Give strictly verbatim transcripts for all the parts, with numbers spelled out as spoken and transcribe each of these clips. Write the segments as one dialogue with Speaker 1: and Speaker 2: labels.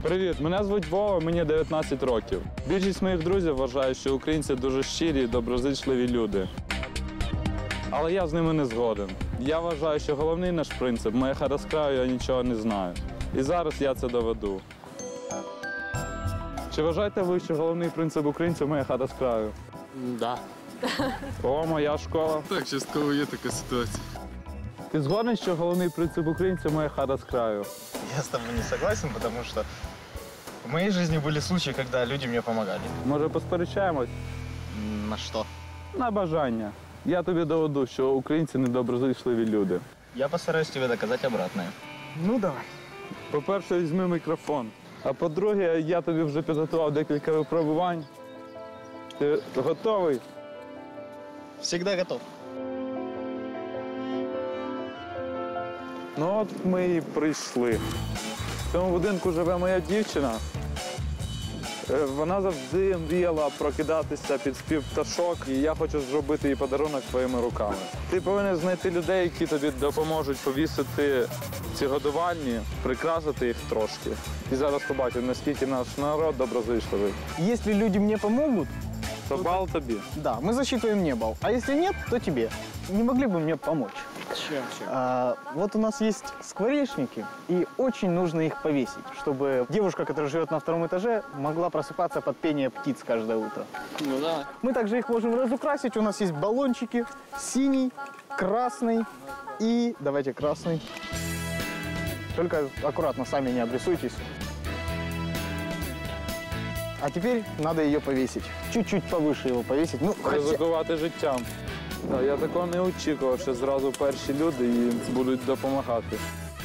Speaker 1: Привіт, мене звуть Вова, мені дев'ятнадцять років. Більшість моїх друзів вважають, що українці дуже щирі і доброзичливі люди. Але я з ними не згоден. Я вважаю, що головний наш принцип – моя хата з краю, я нічого не знаю. І зараз я це доведу. Чи вважаєте ви, що головний принцип українців – моя хата з краю?
Speaker 2: Да.
Speaker 1: О, моя школа.
Speaker 3: Так, частково є така ситуація.
Speaker 1: Ти згоден, що головний принцип українців – моя хата з краю?
Speaker 4: Я с тобой не согласен, потому что в моей жизни были случаи, когда люди мне помогали.
Speaker 1: Може, посперечаємось?
Speaker 4: На что?
Speaker 1: На бажання. Я тобі доведу, що українці недоброзичливі люди.
Speaker 4: Я постараюсь тебе доказать обратное. Ну, давай.
Speaker 1: По-перше, візьми мікрофон. А по-друге, я тобі вже підготував декілька випробувань. Ти готовий?
Speaker 4: Всегда готов.
Speaker 1: Ну от ми і прийшли. В цьому будинку живе моя дівчина. Е, Вона завжди мріяла прокидатися під спів пташок, і я хочу зробити їй подарунок своїми руками. Ти повинен знайти людей, які тобі допоможуть повісити ці годувальні, прикрасити їх трошки. І зараз побачимо, наскільки наш народ доброзичливий.
Speaker 5: Если люди мне помогут,
Speaker 1: То бал тобі.
Speaker 5: да, мы засчитываем мне балл. А если нет, то тебе. Не могли бы мне помочь?
Speaker 2: Чем, чем?
Speaker 5: А, вот у нас есть скворечники, и очень нужно их повесить, чтобы девушка, которая живет на втором этаже, могла просыпаться под пение птиц каждое утро.
Speaker 2: Ну да.
Speaker 5: Мы также их можем разукрасить. У нас есть баллончики синий, красный и... Давайте красный. Только аккуратно, сами не обрисуйтесь. А теперь надо ее повесить. Чуть-чуть повыше его повесить. Ну, хотя...
Speaker 1: Ризикувати життям. Та, я такого не очікував, що зразу перші люди їм будуть допомагати.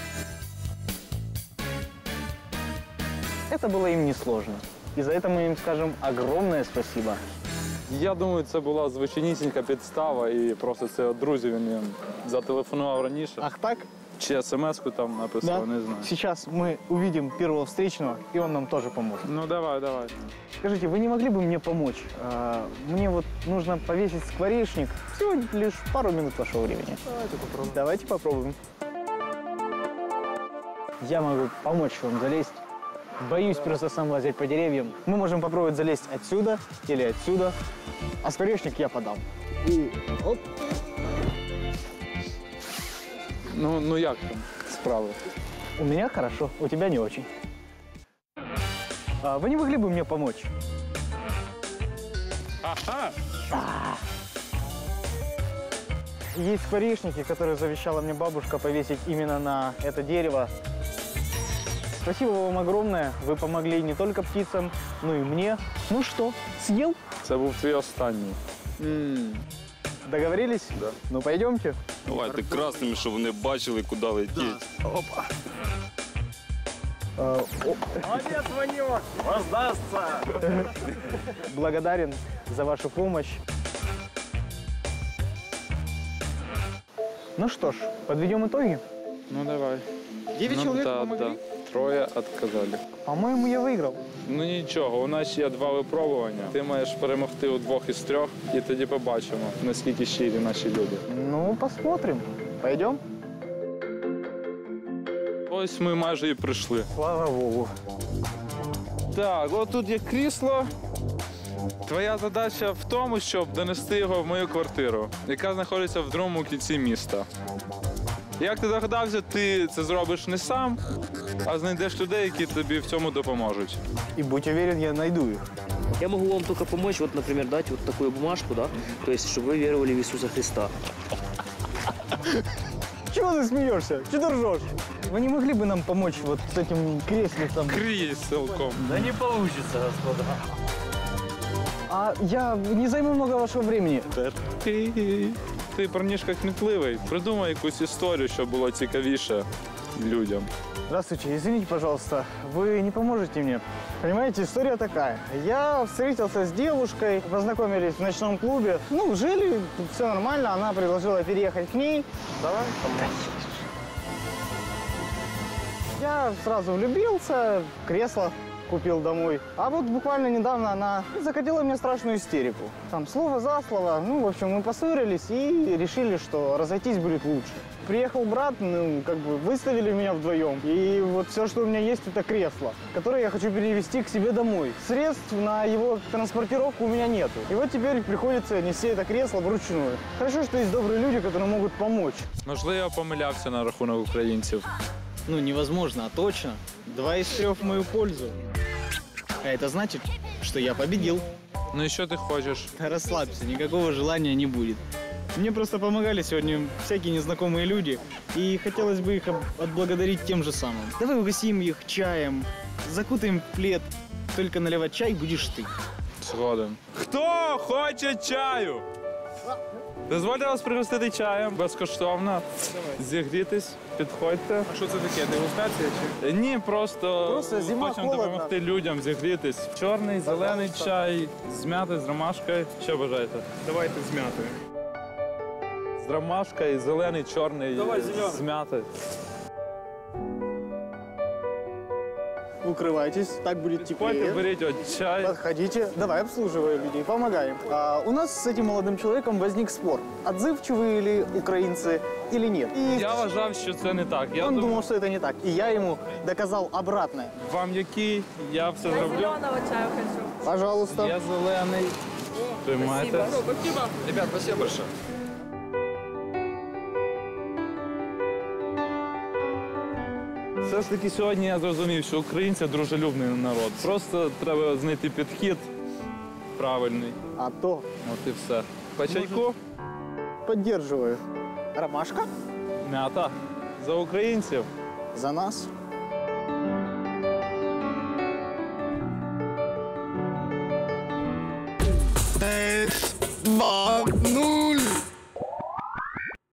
Speaker 5: Это было им несложно. И за это мы им скажем огромное спасибо.
Speaker 1: Я думаю, це була звичайнісінька підстава, і просто це от друзів він їм зателефонував раніше.
Speaker 5: Ах так?
Speaker 1: Чи смс-ку там написав, не знаю.
Speaker 5: Сейчас мы увидим первого встречного, и он нам тоже поможет.
Speaker 1: Ну давай, давай.
Speaker 5: Скажите, вы не могли бы мне помочь? А, мне вот нужно повесить скворечник. Всего лишь пару минут вашего времени. Давайте попробуем. Давайте попробуем. Я могу помочь вам залезть. Боюсь просто сам лазить по деревьям. Мы можем попробовать залезть отсюда или отсюда. А скворечник я подам. И оп.
Speaker 1: Ну, ну як там справи?
Speaker 5: У меня хорошо, у тебя не очень. А вы не могли бы мне помочь?
Speaker 1: Ага!
Speaker 5: Есть скворечники, которые завещала мне бабушка повесить именно на это дерево. Спасибо вам огромное. Вы помогли не только птицам, но и мне. Ну что, съел?
Speaker 1: Це був твій останній.
Speaker 5: Договорились?
Speaker 1: Да.
Speaker 5: Ну пойдемте.
Speaker 3: Давайте красними, щоб вони бачили, куди летіть.
Speaker 5: Опа. А, о,
Speaker 2: Молодец, Ванек! Воздастся!
Speaker 5: благодарен за вашу помощь. Ну что ж, подведем итоги.
Speaker 1: Ну давай.
Speaker 5: Девять
Speaker 1: ну,
Speaker 5: человек
Speaker 1: да,
Speaker 5: помогли?
Speaker 1: да. Троє відказали.
Speaker 5: По-моему, я выиграл.
Speaker 1: Ну нічого, у нас ще є два випробування. Ти маєш перемогти у двох із трьох, і тоді побачимо, наскільки щирі наші люди.
Speaker 5: Ну, посмотрим. Пойдем?
Speaker 1: Ось ми майже і прийшли.
Speaker 5: Слава Богу.
Speaker 1: Так, от тут є крісло. Твоя задача в тому, щоб донести його в мою квартиру, яка знаходиться в другому кінці міста. Як ти догадався, ти це зробиш не сам, а знайдеш людей, які тобі в цьому допоможуть.
Speaker 5: И будь уверен, я найду их.
Speaker 2: Я могу вам только помочь, вот, например, дать вот такую бумажку, да, то есть, чтобы вы веровали в Иисуса Христа.
Speaker 5: Чего ты смеешься? Чего ты ржешь? Вы не могли бы нам помочь вот с этим креслицем?
Speaker 1: Кріселком.
Speaker 2: Да не получится, господа.
Speaker 5: А я не займу много вашего времени.
Speaker 1: Ти, ти парнішка кмітливий. Придумай якусь історію, щоб було цікавіше людям.
Speaker 5: Здравствуйте, извините, пожалуйста, вы не поможете мне? Понимаете, история такая. Я встретился с девушкой, познакомились в ночном клубе. Ну, жили, все нормально, она предложила переехать к ней.
Speaker 1: Давай.
Speaker 5: Я сразу влюбился, кресло. купил домой. А вот буквально недавно она закатила мне страшную истерику. Там слово за слово. Ну, в общем, мы поссорились и решили, что разойтись будет лучше. Приехал брат, ну, как бы выставили меня вдвоем. И вот все, что у меня есть, это кресло, которое я хочу перевезти к себе домой. Средств на его транспортировку у меня нету. И вот теперь приходится нести это кресло вручную. Хорошо, что есть добрые люди, которые могут помочь.
Speaker 1: Можливо, я помилявся на рахунок українців.
Speaker 5: Ну, невозможно, а точно. Два из трех в мою пользу. А это значит, что я победил.
Speaker 1: Ну і що ти хочеш?
Speaker 5: Расслабься, никакого желания не будет. Мне просто помогали сегодня всякие незнакомые люди, и хотелось бы их об- отблагодарить тем же самым. Давай угостим их чаем, закутаем в плед. Только наливать чай будешь ты.
Speaker 1: Згоден. Хто хоче чаю? Дозвольте вас пригостити чаєм безкоштовно. Зігрітись, підходьте.
Speaker 4: А что это такие, дегустация?
Speaker 1: Е, Ні, просто,
Speaker 5: Просто зима,
Speaker 1: хочемо
Speaker 5: холодно.
Speaker 1: допомогти людям зігрітись. Чорний, зелений чай, з м'яти, з ромашкою. Що бажаєте?
Speaker 4: Давайте с мятой.
Speaker 1: З ромашкою, зелений, чорний, з м'яти.
Speaker 5: Укрывайтесь, так будет
Speaker 1: Підходьте,
Speaker 5: теплее.
Speaker 1: беріть от чай.
Speaker 5: Подходите. Давай, обслуживаем людей, помогаем. А, у нас с этим молодым человеком возник спор. Отзывчивые ли украинцы или нет. И
Speaker 1: Я вважав, що це не так. Я
Speaker 5: он
Speaker 1: думав,
Speaker 5: думал, что это не так. И я ему доказал обратное.
Speaker 1: вам який, я все зроблю.
Speaker 6: Зеленого чаю хочу.
Speaker 5: Пожалуйста.
Speaker 1: Я зелений. Тримайте.
Speaker 3: Ребят, спасибо большое.
Speaker 1: Все ж таки сьогодні я зрозумів, що українці дружелюбний народ. Просто треба знайти підхід правильний.
Speaker 5: А то
Speaker 1: От і все. По чайку,
Speaker 5: поддерживаю. Ромашка
Speaker 1: м'ята. За українців.
Speaker 5: за нас.